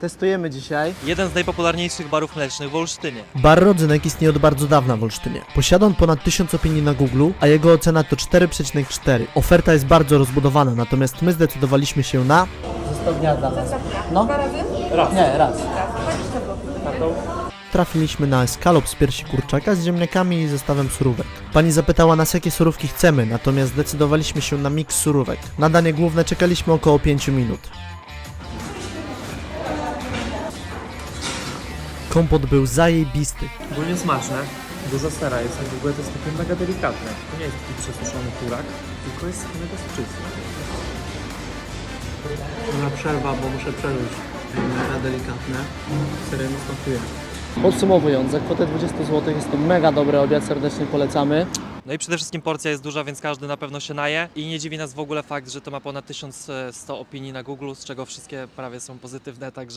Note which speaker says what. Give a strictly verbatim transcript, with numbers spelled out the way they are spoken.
Speaker 1: Testujemy dzisiaj.
Speaker 2: Jeden z najpopularniejszych barów mlecznych w Olsztynie.
Speaker 1: Bar Rodzynek istnieje od bardzo dawna w Olsztynie. Posiada on ponad tysiąc opinii na Google, a jego ocena to cztery przecinek cztery. Oferta jest bardzo rozbudowana, natomiast my zdecydowaliśmy się na... Zestaw dnia dla nas. No?
Speaker 3: Dwa razy?
Speaker 1: Raz. Nie, raz.
Speaker 3: Kartą?
Speaker 1: Trafiliśmy na eskalop z piersi kurczaka z ziemniakami i zestawem surówek. Pani zapytała nas, jakie surówki chcemy, natomiast zdecydowaliśmy się na miks surówek. Na danie główne czekaliśmy około pięć minut. Kompot był zajebisty.
Speaker 4: Ogólnie smaczne, dużo sera jest, w ogóle to jest takie mega delikatne. To nie jest taki przesuszony kurak, tylko jest mega soczysty.
Speaker 1: Na przerwa, bo muszę przeżyć. Mega delikatne. Serio mi smakuje. Podsumowując, za kwotę dwadzieścia złotych jest to mega dobry obiad, serdecznie polecamy.
Speaker 2: No i przede wszystkim porcja jest duża, więc każdy na pewno się naje. I nie dziwi nas w ogóle fakt, że to ma ponad tysiąc sto opinii na Google, z czego wszystkie prawie są pozytywne, także